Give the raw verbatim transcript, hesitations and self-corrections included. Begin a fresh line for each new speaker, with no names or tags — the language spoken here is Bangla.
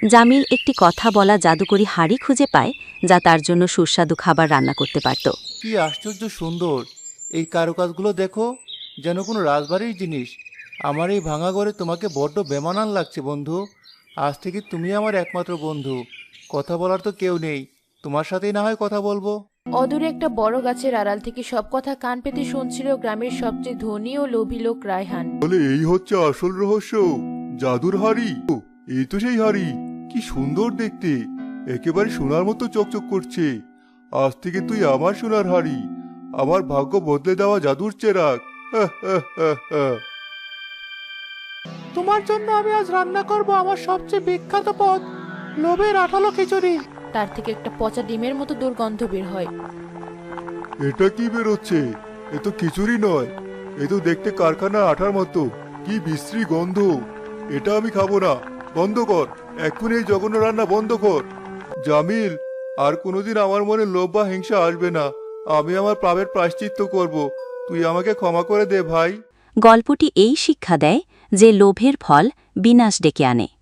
জামিল একটি কথা বলা জাদুকরি হাঁড়ি খুঁজে পায়, যা তার জন্য সুস্বাদু খাবার রান্না করতে পারত।
কি আশ্চর্য সুন্দর! এই কারুকাজগুলো দেখো, যেন কোনো রাজবাড়ির জিনিস। আমার এই ভাঙা ঘরে তোমাকে বড্ড বেমানান লাগছে বন্ধু। আজ থেকে তুমি আমার একমাত্র বন্ধু। কথা বলার তো কেউ নেই, তোমার সাথেই না হয় কথা বলবো।
অদূরে একটা বড় গাছের আড়াল থেকে সব কথা কান পেতে শুনছিল গ্রামের সবচেয়ে ধনী ও লোভী লোক রায়হান।
বলে এই হচ্ছে আসল রহস্য, জাদুর হাড়ি। ও, এই তো সেই হাড়ি। কি সুন্দর দেখতে, একেবারে সোনার মতো চকচক করছে। আজ থেকে তুই আমার সোনার হাড়ি, আমার ভাগ্য বদলে দেওয়া জাদুর চেরাগ। হা, হা, হা, হা।
তোমার জন্য আমি আজ রান্না করব আমার সবচেয়ে বিখ্যাত পদ, লোভের আঠালো খিচুড়ি।
তার থেকে একটা পচা ডিমের মতো দুর্গন্ধ বের হয়।
এটা কি বেরোচ্ছে? এ তো খিচুড়ি নয়, এ তো দেখতে কারখানার আঠার মতো। কি বিশ্রী গন্ধ! এটা আমি খাবো না। বন্ধ কর, এক্ষুনি এই জঘন্য রান্না বন্ধ কর। জামিল, আর কোনোদিন আমার মনে লোভ বা হিংসা আসবে না। আমি আমার পাপের প্রায়শ্চিত্ত করব। তুই আমাকে ক্ষমা করে দে ভাই।
গল্পটি এই শিক্ষা দেয় যে লোভের ফল বিনাশ ডেকে আনে।